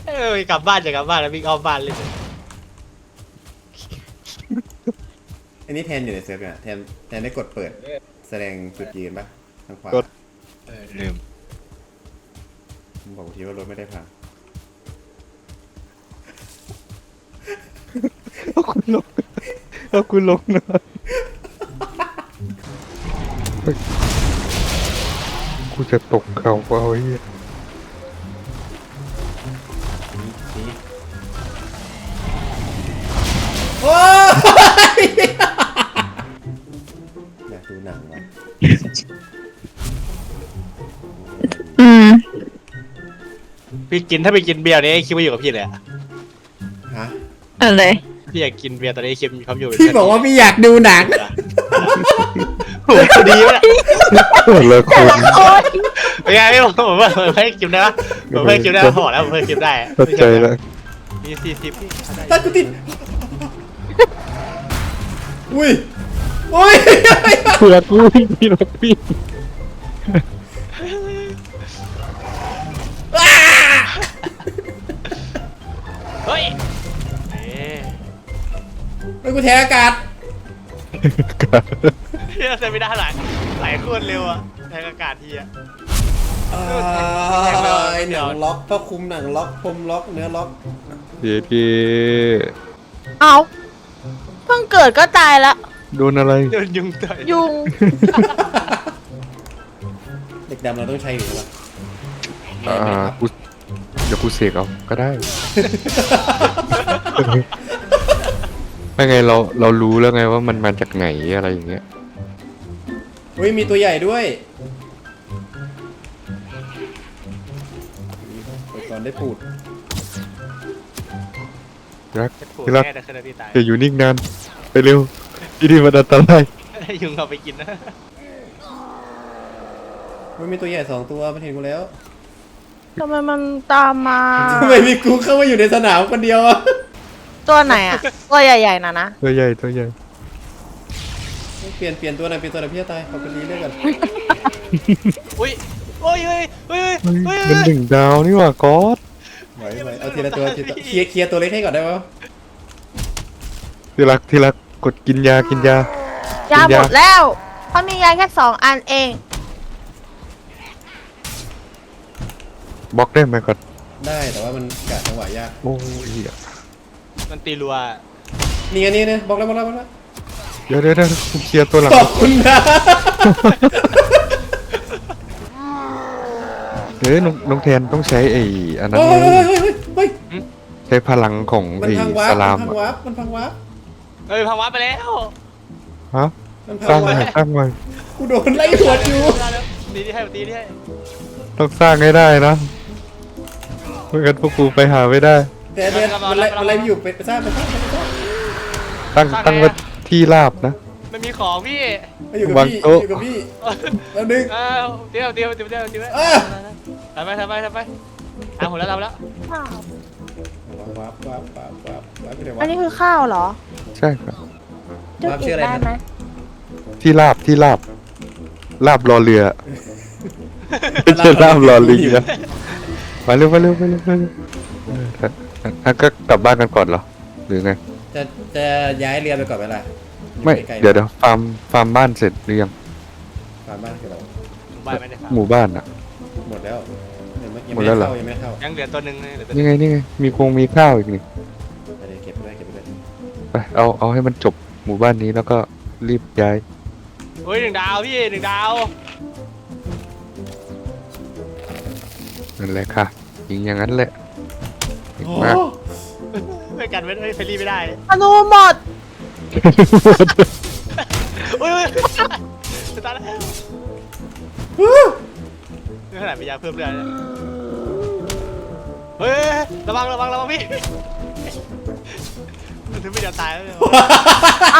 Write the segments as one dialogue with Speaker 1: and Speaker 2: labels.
Speaker 1: กลับบ้านจะกลับบ้านแล้ววิ่งอ้อมบ้านเลย
Speaker 2: อันนี้แทนอยู่ในเซิร์ฟเนี่ยแทนได้กดเปิดแสดงจุดยืนปะทางขวา
Speaker 3: กด
Speaker 1: ลืม
Speaker 2: ผมบอกทีว่ารถไม่ได้พัง
Speaker 3: เอาคุณลงเอาคุณลงหน่อยกูจะตกเขาเอาไอ้เหี้ย
Speaker 2: นี่โอ้ยอยากดูหนังวะ
Speaker 4: อืม
Speaker 1: พี่กินถ้าไปกินเบียร์นี้คิดว่าอยู่กับพี่เลยอะ
Speaker 2: ฮะ
Speaker 4: อะไร
Speaker 1: พี่อยากกินเบียร์ตอนนี้คิดมีความอยู่เป็น
Speaker 2: พี่บอกว่าพี่อยากดูหนัง
Speaker 1: โหพอดีวะ
Speaker 3: เปิดเลยคุณ
Speaker 4: โอ๊ย
Speaker 1: เป็นไงพี่ผมว่าเพิ่งกินได้ปะผมเพิ่งกินได้พอแล้วผมเพิ่งกินได้
Speaker 3: เข้าใจแล้ว
Speaker 1: มี40พี่
Speaker 2: ตัดกูติดอุ้ยอุ้ย
Speaker 3: เผื่อกูวิ่งพี่รถพี่
Speaker 1: เฮ้ย
Speaker 2: เฮ้ยกูแทงอากาศ
Speaker 1: พี่เซมิได้หลายโคตรเร็วอะแทงอากาศทีอะ
Speaker 2: หนังล็อกผ้าคลุมหนังล็อกพรมล็อกเนื้อล็อก
Speaker 3: เดี๋ยวดี
Speaker 4: เอาเพิ่งเกิดก็ตายแล้ว
Speaker 3: โดนอะไร
Speaker 1: โดนยุงต่อย
Speaker 4: ยุง
Speaker 2: เด็กดำเราต้องใช้อยู่ปะ
Speaker 3: กูเดี๋ยวกูเสกเอาก็ได้ ไม่ไงเรารู้แล้วไงว่ามันมาจากไหนอะไรอย่างเงี้ย
Speaker 2: อุ้ยมีตัวใหญ่ด้วยเปิดก่อนได้ปูด
Speaker 3: รัก
Speaker 1: ถูก
Speaker 3: ที่รัก
Speaker 1: แน่แต่คืนพี่ตาย
Speaker 3: อย่าอยู่นิ่งนานไปเร็วที่นี่มันอันตราย
Speaker 1: ยุงเอาไปกินนะ
Speaker 2: มันมีตัวใหญ่2ตัวมันเห็นกูแล้ว
Speaker 4: ทำไมมันตามมา
Speaker 2: ทำไมมีกูเข้ามาอยู่ในสนามคนเดียวอะ
Speaker 4: ตัวไหนอ่ะ ตัวใหญ่ๆนะนะ
Speaker 3: ตัวใหญ่ตัวใหญ่
Speaker 2: เปลี่ยนตัวหน่อยพี่จะตายขอบคุณดีเรื่อยกัน
Speaker 1: อุ้ยโอ้ยเฮ้ยเฮ้ย
Speaker 3: เฮ้ย
Speaker 1: เฮ้ย
Speaker 3: มัน1 ดาวนี่หว่าก๊อต
Speaker 2: ไหวเอาทีละตัวเคลียร์ตัวเล็กให้ก่อนได้ปะ
Speaker 3: ที่รักกดกินยา
Speaker 4: ยาหมดแล้วเพราะมียาแค่2 อันเอง
Speaker 3: บล็อกได้ไหมก่อน
Speaker 2: ได้แต่ว่ามันกะจังหวะยาก
Speaker 3: โอ้ยเหี้ย
Speaker 1: มันตีรัว
Speaker 2: นี่ไงนี่นะบอกแล้ว
Speaker 3: เดี๋ยวกูเคลียร์ตัวหลัง
Speaker 2: ขอบคุณนะ
Speaker 3: เฮ้ยน้องแทนต้องใช้ไอ้อันนั้น
Speaker 2: เฮ้ย
Speaker 3: เลย
Speaker 2: เฮ้ย
Speaker 3: ใช้พลังของ
Speaker 2: มัน
Speaker 3: ไอ้
Speaker 2: พังวา
Speaker 3: ส
Speaker 2: ร์ป
Speaker 3: ลาม
Speaker 2: มันพัง
Speaker 3: อะ
Speaker 2: วาร์ปมันพังวาร์ป
Speaker 1: เฮ้ยพังวัดไปแล้ว
Speaker 3: ฮะ
Speaker 2: มันพั
Speaker 3: สร้าง ง
Speaker 2: วา
Speaker 3: ใหม่
Speaker 2: ร์ป
Speaker 3: สร้างใหม่
Speaker 2: กูโดนไล่หัวอยู่
Speaker 1: ตีที่ให้ตีที่ให้
Speaker 3: ต้องสร้างให้ได้นะเมื่อกันพวกกูไปหาไม่ได้
Speaker 2: แต่มันไล่อยู่ไปสร้าง
Speaker 3: ตั้งไว้ที่ราบนะ
Speaker 1: มันมีของพี่
Speaker 2: อยู่กับ
Speaker 3: วาง
Speaker 2: พี่
Speaker 3: โต๊ะ
Speaker 2: อยู่กับพี่แล้วดึง
Speaker 1: เดี๋ยวทำไปผมแล้วทำแล้ว
Speaker 2: วาร์ปไปไหนวะ
Speaker 4: อันนี้คือข้าวเหรอ
Speaker 3: ใช่ครับ
Speaker 4: จุดอีกได้ไหม
Speaker 3: ที่ราบรอเรือไม่ใช่ราบรอลิงนะไปเร็วก็กลับบ้านกันก่อนเหรอหรือไง
Speaker 2: จะย้ายเรือไปก่อนไหมล่ะ
Speaker 3: ไม่เดี๋ยวฟาร์มบ้านเสร็จหรือยัง
Speaker 2: ฟาร์มบ้านคือเรา
Speaker 1: บ้านไม่ได้ฟัง
Speaker 3: หมู่บ้านอ่ะ
Speaker 2: หมดแล้วยัง
Speaker 3: หมดแล้วเหรอ
Speaker 2: ไม่เข้า
Speaker 1: ยังเหลือตัวหนึ่งเหลือตัว
Speaker 3: นี่ไงมีข้าวอีกนี่
Speaker 2: อะไรเก็บไปเลย
Speaker 3: ไปเอาให้มันจบหมู่บ้านนี้แล้วก็รีบย้าย
Speaker 1: เฮ้ย1 ดาวพี่1 ดาว
Speaker 3: นั่นแหละค่ะยิงอย่างนั้นแหละเก่ง
Speaker 2: โอ้
Speaker 3: มาก
Speaker 1: ไม่กันไม่เฟรลี่ไม่ได้
Speaker 4: อนุหมด
Speaker 1: อุ้ยจะตายแล้วนี่ขนาดมียาเพิ่มเลือดเฮ้ยระวังพี่มันถึงไม่จะตายแล้ว
Speaker 4: เอา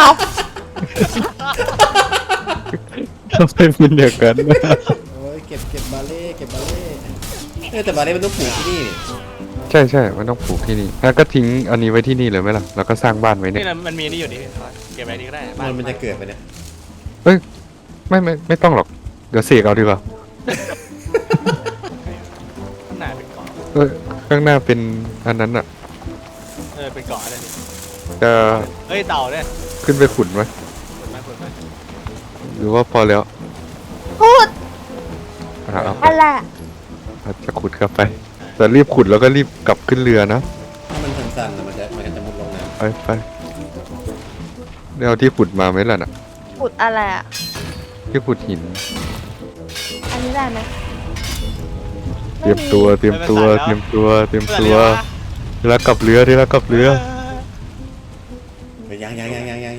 Speaker 3: ทำไมเป็นอย่างนั้น
Speaker 2: โอ้ยเก็บบาเล่แต่บาเล่มันต้องปลูกที่นี่
Speaker 3: ใช่มันต้องปลูกที่นี่แล้วก็ทิ้งอันนี้ไว้ที่นี่เลยไหมล่ะแล้วก็สร้างบ้านไว้เนี่ย
Speaker 1: นี่มันมีนี่อยู่นี่เก็บไว้นี่ก็ได้
Speaker 2: มันจะเกิดไปเนี่ย
Speaker 3: เอ้ยไม่ต้องหรอกเดี๋ยวเสกเอาดีกว่า
Speaker 1: หนาเป็นกล่อง
Speaker 3: เออข้างหน้าเป็นอันนั้นอ่ะ
Speaker 1: เป็นเกาะอะไรนี่
Speaker 3: จะ
Speaker 1: เฮ้ยเต่าเนี่ย
Speaker 3: ขึ้นไปขุดไหม
Speaker 1: เปิดไหมเปิดไหม
Speaker 3: หรือว่าพอแล้ว
Speaker 4: พูด
Speaker 3: เอาไป
Speaker 4: อะไร
Speaker 3: อาจจะขุดเข้าไป แต่รีบขุดแล้วก็รีบกลับขึ้นเรือนะ
Speaker 2: ถ้ามันสั้นๆแล้วมันก็จะมุดลงน้ำ
Speaker 3: ไปเดี๋ยวเอาที่ขุดมาไหมล่ะน่ะ
Speaker 4: พูดอะไรอ่ะ
Speaker 3: ที่ขุดหิน
Speaker 4: อันนี้ได้ไหม
Speaker 3: เตรียมตัวเตรียมตัวเตรียมตัวเตรียมตัวที่รักกลับเรือที่รักกลับเรือ
Speaker 2: เฮ้ยยัง
Speaker 1: ยัง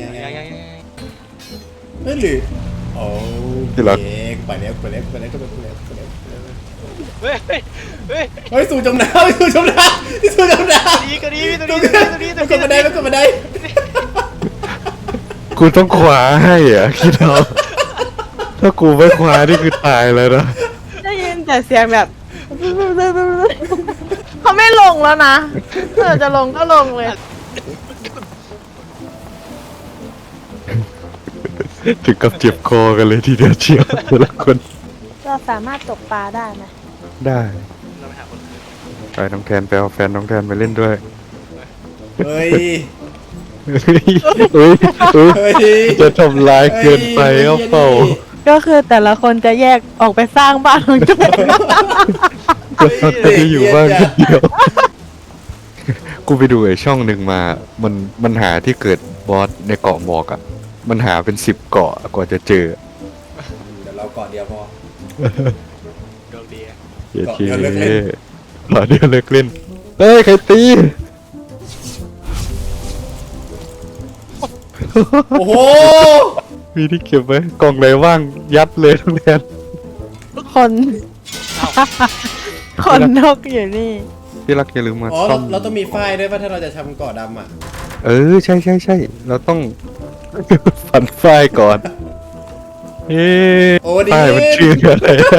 Speaker 2: เฮ้ยหรือโอ้
Speaker 3: ที่รัก
Speaker 2: ไปแล้วก็ไปแล้ว
Speaker 1: เฮ้ยเฮ้ย
Speaker 2: เฮ้ยสู่จมน้ำสู่จมน้ำสู่จมน้ำ
Speaker 1: ตัวนี้ตัว
Speaker 2: ตรง
Speaker 1: นี้
Speaker 2: นี้
Speaker 1: ตัวนี้
Speaker 2: มันกดบันไดมันกดบันได
Speaker 3: กูต้องคว้าให้อ่ะคิดเอาถ้ากูไม่คว้านี่คือตายเลยนะ
Speaker 4: ได้ยินแต่เสียงแบบ เขาไม่ลงแล้วนะเธอจะลงก็ลงเลย
Speaker 3: ถึงกับเจ็บคอกันเลยทีเดียวเชียวแต่ละคน
Speaker 4: เราสามารถตกปลาได้ไหม
Speaker 3: ได้
Speaker 1: เราไปหาคน
Speaker 3: ไปน้องแทนไปเอาแฟนน้องแทนไปเล่นด้วย
Speaker 2: เฮ้ย
Speaker 3: เฮ้ย
Speaker 2: เฮ้ย
Speaker 3: จะทำร้ายเกินไปก็เปล่า
Speaker 4: ก็คือแต่ละคนจะแยกออกไปสร้างบ้านของตัวเอง
Speaker 3: เราจะได้อยู่บ้านคนเดียว กูไปดูไอ้ช่องหนึ่งมา มันหาที่เกิดบอสในเกาะหมอกอ่ะ มันหาเป็น10 เกาะกว่าจะเจอ
Speaker 2: เดี๋ยวเราก่อนเดียวพอ
Speaker 1: โชคดี
Speaker 3: เย้
Speaker 2: เกาะ
Speaker 3: ที
Speaker 2: เดียวเลิกเล่น
Speaker 3: หล่อเดียวเลิกเล่น เฮ้ย ใครตี
Speaker 2: โอ้โห
Speaker 3: มีที่เก็บไว้กล่องไหนว่างยัดเลยทั้งแทน
Speaker 4: คนคนนกอยู่นี่
Speaker 3: ที่รักอย่าลืมมา
Speaker 2: อ๋อ
Speaker 3: ซ่อม
Speaker 2: เราต้องมีฝ้ายด้วยป่ะถ้าเราจะทำเกาะดำอ่ะ
Speaker 3: เออ ใช่ เราต้อง ฝันฝ้ายก่อน เอ๊ะ
Speaker 2: โอ้ดี
Speaker 3: ฝ้ายมันชื่ออะไรนะ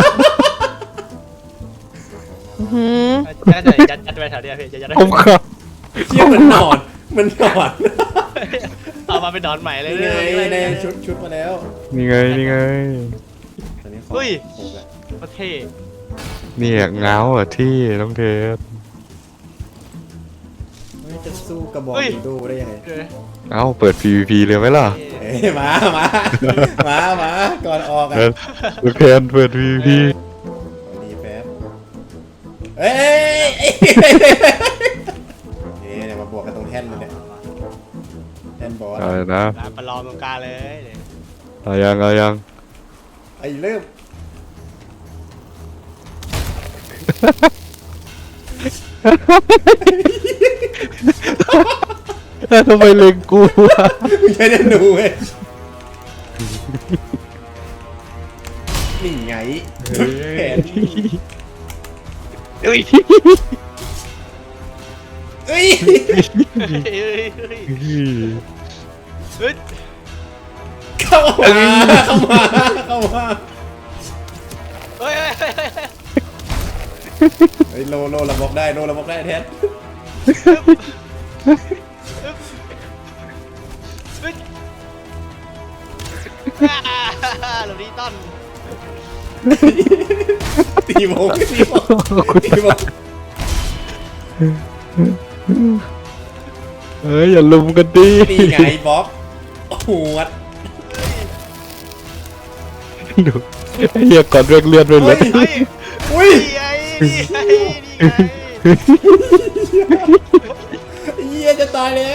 Speaker 4: อื้อหือ
Speaker 1: ยัดไปแถวเนี้ยพี่จะยัด
Speaker 3: ผมครับ
Speaker 2: เชี่ยมันนอนมันนอน
Speaker 1: เอามาเป็นนอนใหม่เลย
Speaker 2: นี่ไงได้ชุดมาแล้ว
Speaker 3: นี่ไง
Speaker 2: ตอนนี้ขอ
Speaker 1: เฮ้ย
Speaker 2: หกแล้ว
Speaker 1: ประเทศ
Speaker 3: เนี่ยเงาอ่ะที่น้องเทส
Speaker 2: เฮ้ยจะสู้กระบอกดีดูได้ยังไง
Speaker 3: เอ้าเปิด PVP เลยไหมล่ะ
Speaker 2: เอ้ยมาก่อนออกอ่ะ
Speaker 3: ลูกแทนเปิด PVP
Speaker 2: ดีแป๊บเอ้ยนี่เดี๋ยวมาบวกกันตรงแท่นเลยเนี่ยแท่นบอส
Speaker 3: อะไรนะ
Speaker 1: การประลองตรงกลางเลย
Speaker 3: เอายัง
Speaker 2: ไอ้เริ่ม
Speaker 3: ทำไมเล็งกูวะ
Speaker 2: มึงใช้เดนดูเว้ยนี่ไงแผน
Speaker 3: เฮ้ย
Speaker 2: เอ้ย
Speaker 1: เฮ้ย
Speaker 2: เข้ามา
Speaker 1: เฮ้ย
Speaker 2: เฮ้ยโลเราบอกได้แทน
Speaker 1: หลบดีต้น
Speaker 2: ตีโมง
Speaker 3: เฮ้ยอย่าลุมกันดิ
Speaker 2: นี่ไงบ๊อบหัวด
Speaker 3: ดูไอ้เหี้ยก่อนเรื่องเลือดด้วยเลย
Speaker 2: อุ้ย
Speaker 1: นี่ไง
Speaker 2: เหี้ยจะตายแล้ว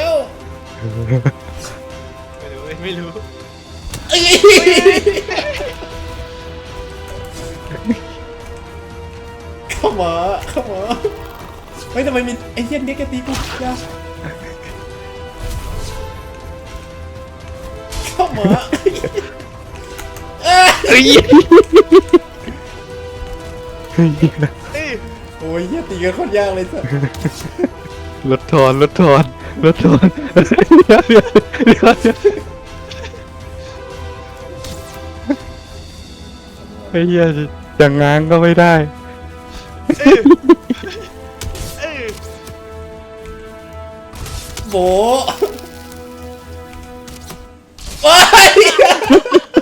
Speaker 1: ไม่รู้
Speaker 2: เข้ามาเฮ้ยทำไมมีไอ้เหี้ยนี่แกตีกูยาเข้ามาโอ้ยเหี้ยตีกันโคตรยากเลยสัส
Speaker 3: รถทอนเดี๋ยวไอ้เหี้ยจะง้างก็ไม่ได้
Speaker 2: โบโอ้ย